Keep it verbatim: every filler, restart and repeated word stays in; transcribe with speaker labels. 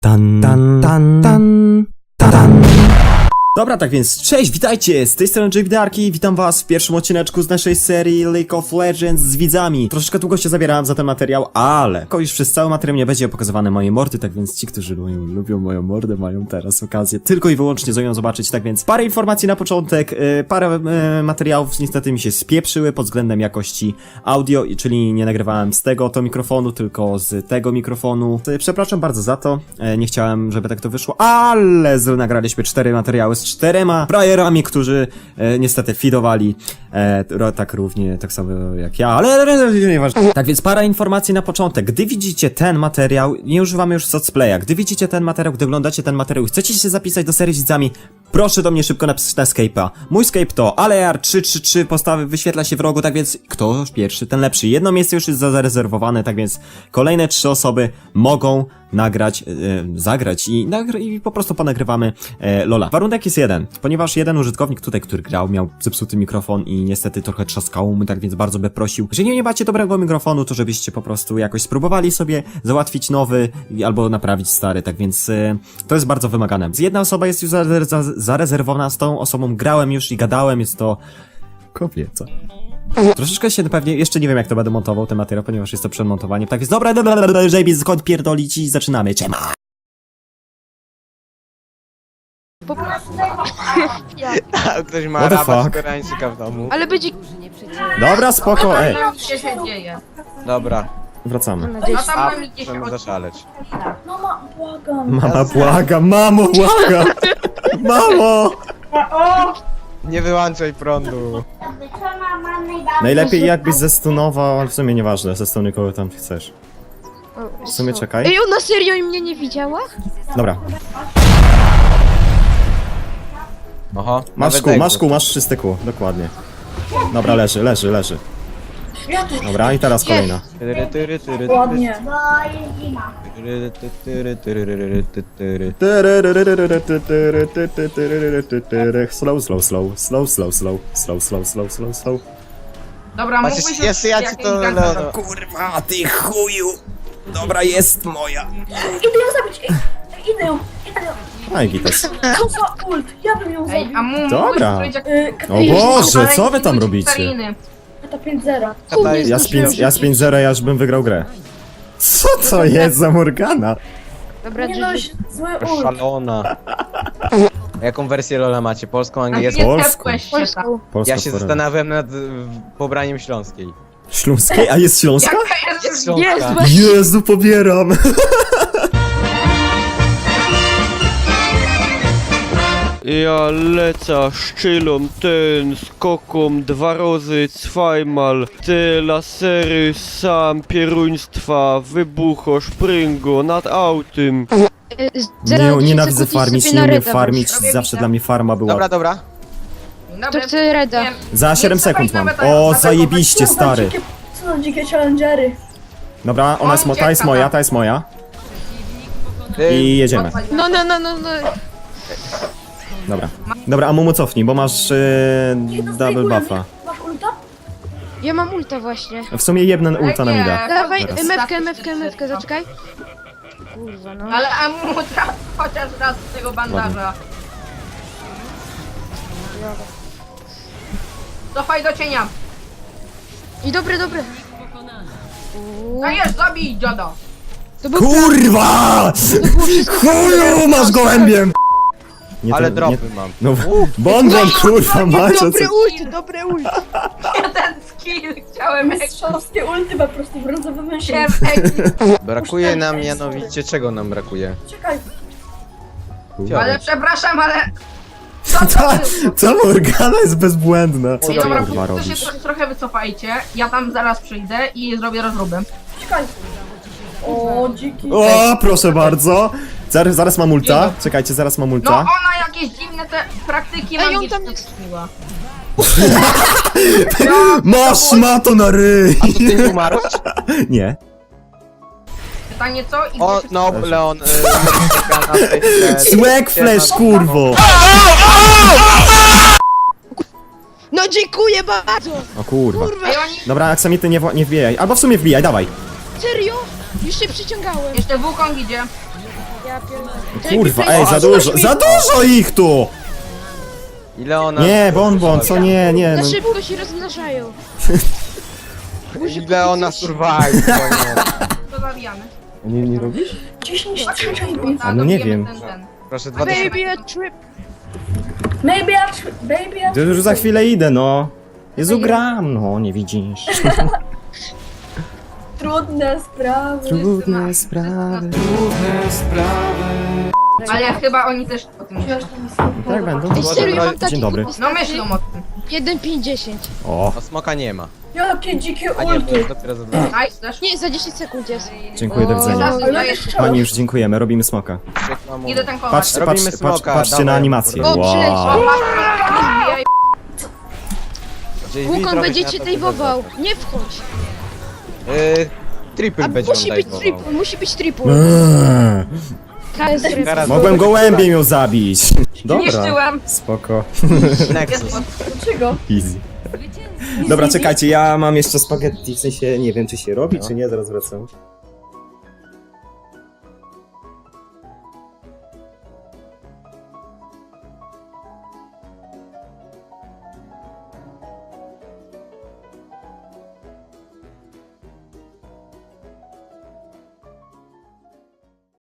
Speaker 1: Tan, tan, tan, tan, tan. Dobra, tak więc cześć, witajcie, z tej strony Jaywidarki, witam was w pierwszym odcineczku z naszej serii League of Legends z widzami. Troszeczkę długo się zabierałem za ten materiał, ale już przez cały materiał nie będzie pokazywane moje mordy, tak więc ci, którzy lubią, lubią moją mordę, mają teraz okazję tylko i wyłącznie z nią zobaczyć, tak więc parę informacji na początek, yy, parę yy, materiałów niestety mi się spieprzyły pod względem jakości audio, czyli nie nagrywałem z tego to mikrofonu, tylko z tego mikrofonu. Yy, przepraszam bardzo za to, yy, nie chciałem, żeby tak to wyszło, ale z, nagraliśmy cztery materiały z czterema frajerami, którzy e, niestety fidowali e, tak równie, tak samo jak ja, ale, ale, ale nieważne. Tak więc parę informacji na początek. Gdy widzicie ten materiał, nie używamy już socplaya, gdy widzicie ten materiał, gdy oglądacie ten materiał i chcecie się zapisać do serii z widzami, proszę do mnie szybko napisać na Skype'a. Mój Skype to alear trzy trzy trzy, postawy wyświetla się w rogu, tak więc kto pierwszy, ten lepszy. Jedno miejsce już jest zarezerwowane, tak więc kolejne trzy osoby mogą nagrać, e, zagrać i, nagr i po prostu ponagrywamy e, Lola. Warunek jest jeden, ponieważ jeden użytkownik tutaj, który grał, miał zepsuty mikrofon i niestety trochę trzaskało mu, tak więc bardzo by prosił, jeżeli nie macie dobrego mikrofonu, to żebyście po prostu jakoś spróbowali sobie załatwić nowy albo naprawić stary, tak więc e, to jest bardzo wymagane. Jedna osoba jest już za za zarezerwowana, z tą osobą grałem już i gadałem, jest to kobieca. Troszeczkę się pewnie, jeszcze nie wiem jak to będę montował ten materiał, ponieważ jest to przed montowaniem, tak więc dobra, dobra, dobra, dobra, żeby skąd pierdolić i zaczynamy, czema!
Speaker 2: Po prostu.
Speaker 3: A ktoś ma
Speaker 1: What the
Speaker 3: rabat
Speaker 1: fuck?
Speaker 3: koreańczyka w domu.
Speaker 2: Ale będzie.
Speaker 1: Dobra, spoko, ej,
Speaker 4: Co się dzieje?
Speaker 3: Dobra,
Speaker 1: wracamy.
Speaker 4: No
Speaker 2: Gdzieś.
Speaker 4: tam
Speaker 3: a
Speaker 4: mamy gdzieś
Speaker 3: możemy
Speaker 4: od...
Speaker 3: zaszaleć.
Speaker 4: No ma, błagam.
Speaker 1: Mama błaga, mamo błaga! Mamo!
Speaker 3: Nie wyłączaj prądu.
Speaker 1: Najlepiej jakbyś zestunował, ale w sumie nieważne, zestunuj kogo tam chcesz. W sumie czekaj.
Speaker 2: Ej, ona serio mnie nie widziała?
Speaker 1: Dobra,
Speaker 3: Oho,
Speaker 1: masz
Speaker 3: nawet
Speaker 1: kół,
Speaker 3: egzo.
Speaker 1: masz kół, masz czysty kół, dokładnie. Dobra, leży, leży, leży. Dobra, i teraz kolejna.
Speaker 3: Tyry, tyry, tyry,
Speaker 4: Ładnie.
Speaker 3: tyry, tyry, tyry, tyry, tyry.
Speaker 1: Slow, slow, slow, slow, slow, slow, slow, slow, slow, slow, slow.
Speaker 4: Dobra,
Speaker 3: Patrz,
Speaker 4: mógłbyś
Speaker 3: jest ja ci to...
Speaker 4: jakieś
Speaker 3: no,
Speaker 4: gangsta-
Speaker 3: no.
Speaker 1: Kurwa, ty chuju! Dobra, jest moja.
Speaker 5: Idę ją zabić! Ej, idę ją! Idę ją!
Speaker 1: Aj, gites.
Speaker 5: Co za ult! Ja bym ją
Speaker 4: Ej,
Speaker 5: zabił!
Speaker 4: a mu
Speaker 1: Dobra.
Speaker 4: mógłbyś powiedzieć, jak...
Speaker 5: Yy,
Speaker 1: O Boże, co wy tam robicie?
Speaker 4: Kariny.
Speaker 5: Kata pięć zero.
Speaker 3: Kata jest
Speaker 1: Ja z pięć- ja z pięć zero, ja już bym wygrał grę. Co to jest za Morgana?
Speaker 2: Dobra,
Speaker 5: Nie no,
Speaker 2: Gigi.
Speaker 5: zły ult!
Speaker 3: szalona. Jaką wersję Lola macie? Polską,
Speaker 4: A
Speaker 3: angielską?
Speaker 4: nie
Speaker 1: Polską.
Speaker 4: tepłeś się
Speaker 2: Polską.
Speaker 4: tam.
Speaker 1: Polska
Speaker 3: Ja się
Speaker 1: forever.
Speaker 3: zastanawiam nad y, pobraniem śląskiej.
Speaker 1: Śląskiej? A jest Śląska?
Speaker 4: Jaka jest...
Speaker 3: Jest Śląska.
Speaker 2: Jest, właśnie.
Speaker 1: Jezu, pobieram!
Speaker 6: Ja leca szczylą ten skokom dwa razy zweimal te lasery sam pieruństwa wybucho szpryngo nad autem.
Speaker 2: Y, zero
Speaker 1: Nie,
Speaker 2: dziesięć
Speaker 1: nienawidzę
Speaker 2: sekund i
Speaker 1: farmić,
Speaker 2: sobie
Speaker 1: nie
Speaker 2: na
Speaker 1: umiem
Speaker 2: reda
Speaker 1: farmić,
Speaker 4: Robię
Speaker 1: zawsze
Speaker 4: bita.
Speaker 1: dla mnie farma była.
Speaker 3: Dobra, dobra.
Speaker 4: Dobra,
Speaker 2: To chcę Reda.
Speaker 4: wiem.
Speaker 1: Za siedem
Speaker 4: Nie
Speaker 1: sekund mam.
Speaker 4: nawet tego,
Speaker 1: O,
Speaker 4: nawet
Speaker 1: zajebiście,
Speaker 5: Co za
Speaker 1: stary.
Speaker 5: dzikie, co za dzikie challengery!
Speaker 1: Dobra, ona jest, mo ta jest moja, ta jest moja.
Speaker 3: Y,
Speaker 1: I jedziemy.
Speaker 2: No, no, no, no, no.
Speaker 1: Dobra. Dobra, a Mumu cofnij, bo masz yy, double buffa.
Speaker 5: Masz ulta?
Speaker 2: Ja mam ulta właśnie.
Speaker 1: W sumie jedne ulta nam da.
Speaker 2: Dawaj,
Speaker 1: Teraz.
Speaker 2: mewkę, mewkę, mewkę, zaczekaj. Kurwa, no.
Speaker 4: Ale a mu traf chociaż raz z tego bandaża. Cofaj do cienia.
Speaker 2: I dobre, dobre.
Speaker 4: No jest, zabij dziada.
Speaker 2: To był
Speaker 1: Kurwa! Chuju, masz gołębiem! Nie,
Speaker 3: Ale
Speaker 1: to-
Speaker 3: dropy
Speaker 1: nie-
Speaker 3: mam.
Speaker 1: No, bonbon, kurwa, macie co?
Speaker 2: dobre ult, dobre ult.
Speaker 4: Jeden skill chciałem jak
Speaker 5: Mistrzowskie ulty po prostu brązowy myszy.
Speaker 4: się ekip.
Speaker 3: Brakuje nam mianowicie, czego nam brakuje?
Speaker 5: Czekaj,
Speaker 4: Ale przepraszam, ale... Co to
Speaker 1: Ta,
Speaker 4: było?
Speaker 1: ta Morgana jest bezbłędna. Co
Speaker 4: Ej,
Speaker 1: ty
Speaker 4: dobra,
Speaker 1: kurwa
Speaker 4: to się
Speaker 1: robisz?
Speaker 4: tro trochę wycofajcie. Ja tam zaraz przyjdę i zrobię rozróbę.
Speaker 5: czekaj! O, dziki!
Speaker 1: O, proszę bardzo. Zaraz, zaraz mam ulta. Czekajcie, zaraz mam
Speaker 4: No
Speaker 1: ulta.
Speaker 4: ona jakieś dziwne te praktyki
Speaker 2: Ej, on
Speaker 4: magiczne
Speaker 2: tam jest.
Speaker 4: wymyśliła.
Speaker 1: Masz mato na ryj!
Speaker 3: A to ty umarłeś?
Speaker 1: Nie.
Speaker 4: Pytanie co? I
Speaker 3: O,
Speaker 4: gdzie się-
Speaker 3: no, Leon. Y, Morgana, y,
Speaker 1: Swag flash, kurwo!
Speaker 2: No dziękuję bardzo.
Speaker 1: O kurwa.
Speaker 2: Kurwa,
Speaker 4: Ej, oni...
Speaker 1: Dobra, aksamity nie, wła- nie wbijaj. Albo w sumie wbijaj, dawaj.
Speaker 2: serio? Już się przyciągałem.
Speaker 4: Jeszcze Wukong idzie.
Speaker 2: Ja pierdolę.
Speaker 1: Kurwa, ej, za dużo, za dużo ich tu!
Speaker 3: Ile ona...
Speaker 1: Nie, bonbon, co nie, nie.
Speaker 2: Za
Speaker 1: No.
Speaker 2: szybko się rozmnażają.
Speaker 3: Ile ona survive,
Speaker 4: To zabijamy.
Speaker 1: Nie, nie robisz?
Speaker 5: dziesięć trzy
Speaker 4: Tak,
Speaker 1: A no nie
Speaker 4: dobijemy
Speaker 1: wiem.
Speaker 4: Ten, ten.
Speaker 3: Proszę, dwa tysiące.
Speaker 2: Baby a trip.
Speaker 5: Maybe I tr- baby I
Speaker 1: To już za chwilę idę, no. Jezu, gram, no, nie widzisz.
Speaker 5: Trudne sprawy.
Speaker 1: Trudne sprawy.
Speaker 4: Ale chyba oni też o tym myślą.
Speaker 1: Tak będą.
Speaker 2: Ej, serio, mam taki
Speaker 1: Dzień dobry.
Speaker 4: No myślą o tym.
Speaker 2: jeden pięć dziesięć.
Speaker 1: O,
Speaker 3: No smoka nie ma.
Speaker 5: Jakie dzikie
Speaker 3: A nie, to
Speaker 5: ulty.
Speaker 3: jest dopiero za dwa.
Speaker 4: Nice, też.
Speaker 2: Nie, za dziesięć sekund jest.
Speaker 1: dziękuję, do widzenia.
Speaker 4: Zaraz
Speaker 5: Ale
Speaker 4: daję-
Speaker 5: jeszcze
Speaker 1: Pani, już dziękujemy, robimy smoka.
Speaker 3: Świetna mowa.
Speaker 4: Idę tankować.
Speaker 1: Patrzcie,
Speaker 3: Robimy
Speaker 1: patrzcie,
Speaker 3: smoka,
Speaker 1: patrz, patrzcie na
Speaker 3: dawaj.
Speaker 1: animację.
Speaker 2: O, przyleciał.
Speaker 1: Wow.
Speaker 4: Zbijaj.
Speaker 3: J V
Speaker 2: Wukon
Speaker 3: zrobić
Speaker 2: będzie
Speaker 3: na
Speaker 2: cię
Speaker 3: to,
Speaker 2: tejwował.
Speaker 3: żeby
Speaker 2: Nie wchodź.
Speaker 3: Yy, triple
Speaker 2: A
Speaker 3: będzie
Speaker 2: musi
Speaker 3: on
Speaker 2: być
Speaker 3: dajwował.
Speaker 2: triple, musi być triple.
Speaker 1: Eee,
Speaker 2: K S R.
Speaker 3: Teraz
Speaker 1: Mogłem gołębiem ją zabić. Dobra,
Speaker 4: Niszczyłem.
Speaker 1: spoko.
Speaker 3: Nexus.
Speaker 5: Dlaczego?
Speaker 1: Easy. Dobra, czekajcie, ja mam jeszcze spaghetti, w sensie nie wiem czy się robi, czy nie, zaraz wracam.